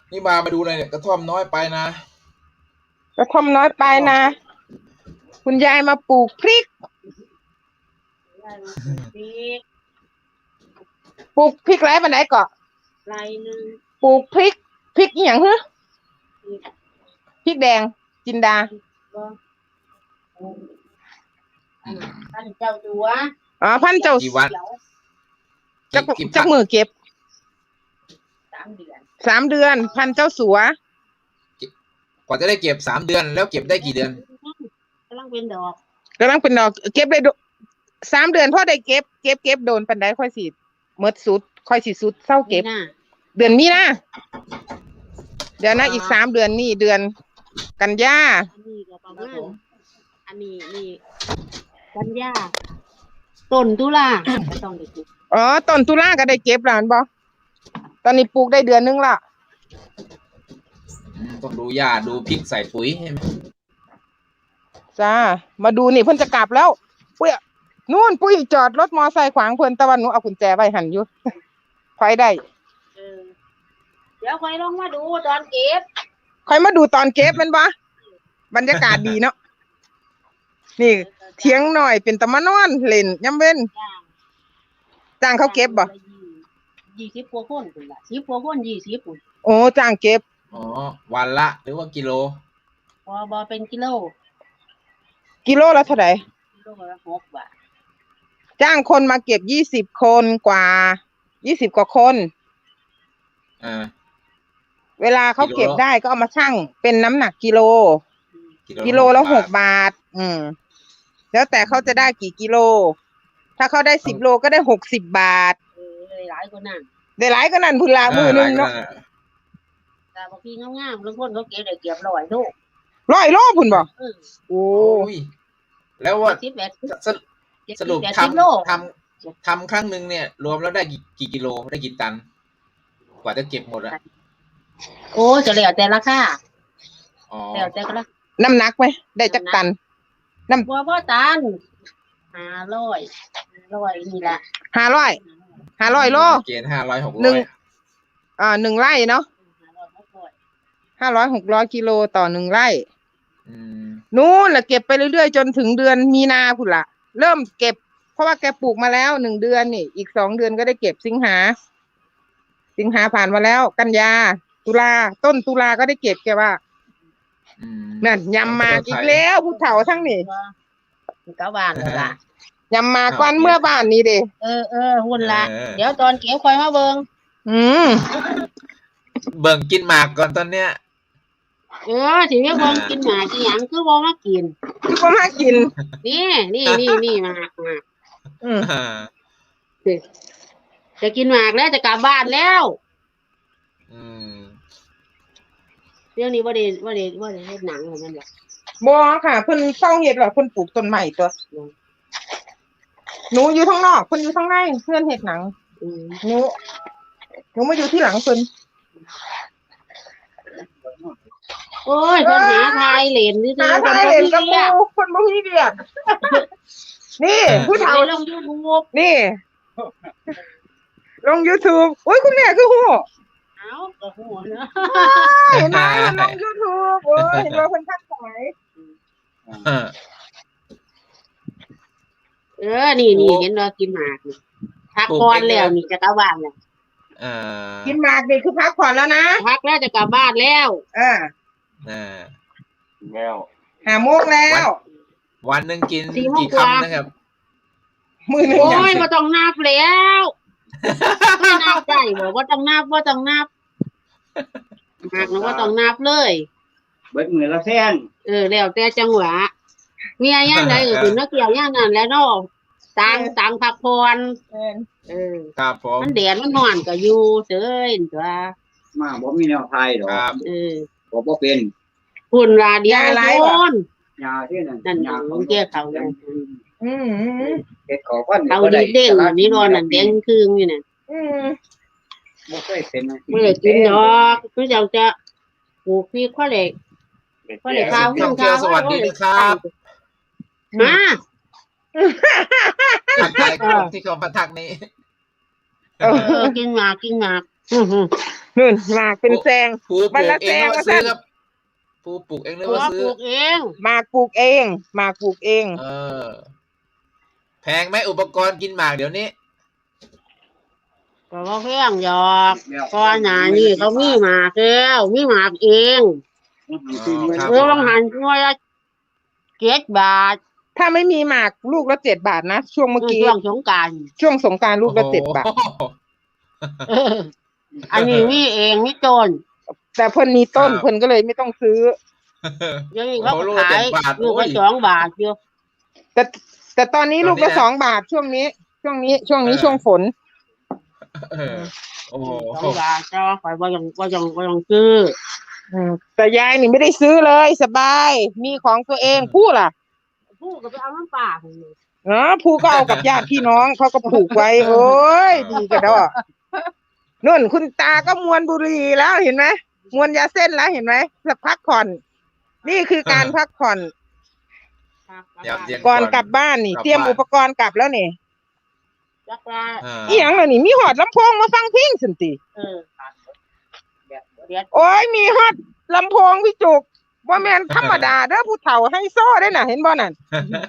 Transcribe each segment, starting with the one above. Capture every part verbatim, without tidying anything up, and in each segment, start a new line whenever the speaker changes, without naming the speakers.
นี่มามาดูเลยเนี่ยกระท่อมน้อยไปนะ
กระท่อมน้อยไปนะ คุณยายมาปลูกพริกปลูกพริกไรปันไหนเกาะ
ไรนึง
ปลูกพริกพริกอหย่างเหรอพริกแดงจินดา
พันเจ้าตัว
อ๋อพันเจ้า
กี่วัน
จักจักมือเก็บ
สามเดือน
สามเดือนพันเจ้าสัว
กว่าจะได้เก็บสามเดือนแล้วเก็บได้กี่เดือน
กำลังเป็นดอก
กำลังเป็นดอกเก็บได้สามเดือนพอได้เก็บเก็บเก็บโดนปันไดค่อยสิเมื่อสุดค่อยสิสุดเศร้าเก็บเดือนนี้นะเดี๋ยวนะอีกสามเดือนนี่เดือนกันยา
อันนี้ก็ประมาณอันนี้นี่กันยาต้นตุลาก็ต้องได้เก็บ
อ๋อต้นตุลาก็ได้เก็บแล้วบ่ตอนนี้ปลูกได้เดือนนึงละ
ต้องดูหญ้าดูพริกใส่ปุ๋ยใช่ไหม
จ้ามาดูนี่เพิ่นจะกลับแล้วปุ้ยนู่นปุ้ยจอดรถมอไซค์ขวางเพิ่นตะวันหนูเอากุญแจไว้หันอยู่ค่อยได้
เออเดี๋ยวค่อยลองมาดูตอนเก็บ
ค่อยมาดูตอนเก็บแม่นบ่บรรยากาศดีเนาะนี่เถียงหน่อยเป็นตะมานอนเล่นย่ำเว้นจ้างเขาเก็บบ่
ยี่สิบกว่าคนพุ่นล่ะสิบกว่าคนยี่สิบพุ่น
โอ้จ้างเก็บ
อ๋อวันละหรือว่ากิโล
บ่บ่เป็นกิโล
กิโลละเท่าไหร่
กิโลละหกบาท
จ้างคนมาเก็บยี่สิบคนกว่ายี่สิบกว่าคน
อ่า
เวลาเขาเก็บได้ก็เอามาชั่งเป็นน้ำหนักกิโลกิโลละหกบาทอืมแล้วแต่เขาจะได้กี่กิโลถ้าเขาได้สิบโลก็ได้หกสิบบาท
เออหลายกว่านั้น
ได้หลายกว่านั้นพุ่นละมือนึงเนาะ
แต่บางทีงามๆบางคนเขาเก็บได้เก็บร้อยโล
ร้อยโลพุ่นบ่โอ้
ยแล้วว่าสรุปทำทำทำครั้งหนึ่งเนี่ยรวมแล้วได้กี่กี่กิโลได้กี่ตันกว่าจะเก็บหมดอะ
โอ้จะแล้วแต่ราคา
อ๋อ
แล้วแต่ก็ละ
น้ำหนักไหมได้จักตัน
น้ำบัวพ่อตันห้าร้อยร้อยนี่แหละ
ห้าร้อยห้าร้อยโล
เกณฑ์ห้าร้อยหก
ร้
อย
อ่าหนึ่งไร่เนาะห้าร้อยหกร้อยกิโลต่อหนึ่งไร่นู่นแหละเก็บไปเรื่อยๆจนถึงเดือนมีนาพุ่นละเริ่มเก็บเพราะว่าแกปลูกมาแล้วหนึ่งเดือนนี่อีกสองเดือนก็ได้เก็บสิงหาสิงหาผ่านมาแล้วกันยาตุลาต้นตุลาก็ได้เก็บแกว่านั่นยำมาอีกแล้วผู้เฒ่าทั้งนี่
เก้าบาทเลยล่ะ
ยำมาก้อนเมื่อบ้านนี้เด้
เออเออหุ่นละเดี๋ยวตอนเก็บคอยมาเบิ่ง
อืม
เบิ่งกินหมากก่อนตอนเนี้ย
เออถึงจะบอกกินหมากกินหยังคือบอกมากิน
ก็มากิน
นี่นี่นี่นี่หมากหมากอืมจะกินหมากแล้วจะกลับบ้านแล้ว
อืม
เรื่องนี้ว่าเดว่าเดว่าเดเฮ็ดหนังเหมือนกันหรอ
บ่ค่ะเพิ่นเศร้าเฮ็ดหรอเพิ่นปลูกต้นไม้ตัวหนูอยู่ข้างนอกเพิ่นอยู่ข้างในเพื่อนเฮ็ดหนังหนูหนูมาอยู่ที่หลังเพิ่น
โอ้ยคนหาทายเหรียญนี่
หาทายเหรียญกับปูคนบ่มีเวียกนี่ผู้เฒ่า
ลง YouTube
นี่ลง YouTube โอ้ยคุณแม่คือฮู้
เอ้าก็ฮู้เนาะ
เห็นมั้ยลง YouTube โอ้ยเห็นว่าเพิ่นทักสมัย
เออนี่นี่เห็นว่ากินหมากนี่พักผ่อนแล้วนี่จะกลับบ้านแล้ว
เออ
กินหมากนี่คือพักผ่อนแล้วนะ
พักแล้วจะกลับบ้านแล้ว
เออ
เออแล้ว
ห้าโมงแล้ว
วันนึงกินกี่คำนะครับ
มื้อนึง
โอ้ยบ่ต้องนับแล้วไม่นับได้บ่บ่ต้องนับบ่ต้องนับหากนะบ่ต้องนับเลย
เบิดมื้อละแพง
เออแล้วแต่จังหวะเมียย่างใดก็คือนักเกี่ยวย่างนั้นแล้วเนาะต่างต่างพักผ่อนเออ
ครับผม
มันแดดมันร้อนก็อยู่เฉยตัว
มาบ่มีแนวไทยดอก
เออ
บ่บ่เป็น
หุ่นว่าเดียวคน
ยาที่นั่น
นั่นยาของแกเขา
อืม
เฮ็ดขอพัน
เขาดีเด้งนี่นอนนั่นแดงครึ่งอยู่น่ะ
อืม
บ่เคยเป็น
บ่ได้กินดอกคือเจ้าจะปลูกพริกข้อเล็กข้อเล็กข้าวข้าวข้าว
สวัสดีนะครับ
มา
ทักทายที่เขามาทักนี้
เออกินหมากกินหมาก
นู่นหมากเป็นแซง
ปูป
วั
ลู
น
ก
ละ
เองหรือ
แซง
ว่า
ว่า
ซื้อ
ซั่น
ครับปูปลูกเองหรือ
ตัว
ว่า
ป
ซื้อ
ลูกเอง
หมากปลูกเองหมากปลูกเอง
เออ แพงไหมอุปกรณ์กินหมากเดี๋ยวนี้
ก็บ่แพงหรอกก่อนหน้านี้เขามีหมากแล้วมีหมากเอง
ครับ
เออบางหันหน่วยละเจ็ดบาท
ถ้าไม่มีหมากลูกละเจ็ดบาทนะช่วงเมื่อกี้
ช่วงสงกรานต์
ช่วงสงกรานต์ลูกละเจ็ดบาท
โอ้โห
เอออันนี้มีเองมีต้น
แต่เพิ่นมีต้น
ครับ
เพิ่นก็เลยไม่ต้องซื้อ
เดี๋ยวนี้เขา
โอ้โห
ก็ขาย
ลูกละเจ็ดบาท
ลูก
โอ้
ละ
ย
สองบาทอยู่
แต่แต่ตอนนี้
ตอนนี้
ลูกละ
นะ
สองบาทช่วงนี้ ช่วงนี้ ช่วงนี้
เออ
ช่วงฝน
เออโอ้โห
สองบาทเจ้าข่อยบ่ยังบ่ยังบ่ยังซื้อ
อืมแต่ยายนี่ไม่ได้ซื้อเลยสบาย มีของตัวเองผู้ล่ะ
ผู้ก็ไปเอาน้ำป่าพุ่นนี่
เออผู้ก็เอากับญาติพี่น้องเขาก็ผูกไว้ โอ้ยดีกระดอนุ่นคุณตาก็มวนบุหรี่แล้วเห็นไหมมวนยาเส้นแล้วเห็นไหมจะพักผ่อน นี่คือการพักผ่อน
ยามเย็น
ก่อนกลับบ้านนี่
กลับ
เตรียม
บ้าน
อุปกรณ์กลับแล้วนี่
จักว่า
อ่า
อีหยังล่ะนี่มีฮอดลำโพงมาฟังเพลงสันติ
เออเดี๋ยว
โอ้ยมีฮอดลำโพงพี่จุกว่าแม่นธรรมดาเด้อผู้เฒ่าให้โซ่ได้น่ะ เห็นบ่นั่น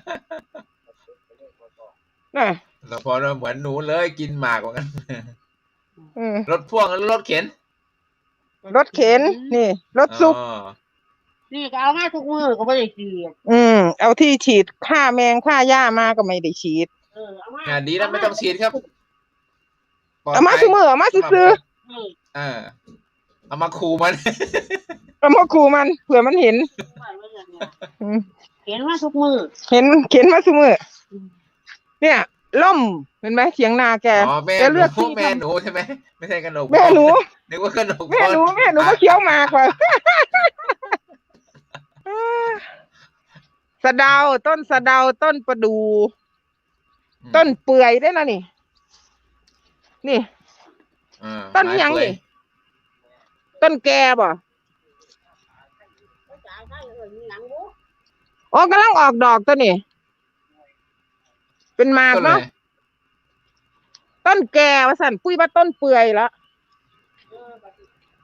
น่ะ
เราพอเราเหมือนหนูเลยกินหมากเหมือนกัน
อืม
รถพ่วงหรือรถเข็น
รถเข็นนี่ รถซุก
อ๋อ
นี่ก็เอามาทุกมื้อก็บ่ได้ซื้อ
อืมเอาที่ฉีดฆ่าแมงฆ่าหญ้ามาก็ไม่ได้ฉีด
เออเอามา
อ่าดีแล้วไม่ต้องฉีดครับปลด
เอามา
ภัย
ซื้อมือเอามาซื้อ
เออ
เออเอามาคูมัน
เอามาคูมันเผื่อมันเห็น
ไว้ไว้อย่างเงี้ย
อืม
เห็นมาทุกมื้อ
เห็นเข็นมาซื้อมือเนี่ยล่มเห็นไหมเสียงนาแก
อ๋อแม่
แก
ห
เลื
นู
อกที่
แม่
ทำ
หนูใช่ไหมไม่ใช่กระหนก
แม่หนู
นึกว่ากระหนก
แม่หนู
พร
แม่หนูก็เคี้ยวหมากว่ะ สะเดาต้นสะเดาต้นประดู ต้นเปื่อยได้นะนี่ นี่
อ่า
ต้นยัง
ไม้เปื่อ
นี่ต้นแกบ่อ๋อกำลังออกดอกตัวนี่เป็นหมาก
ต้นอะไร
เนาะต้นแกว่าสั่นปุ้ยว่าต้นเปื่อยแล้ว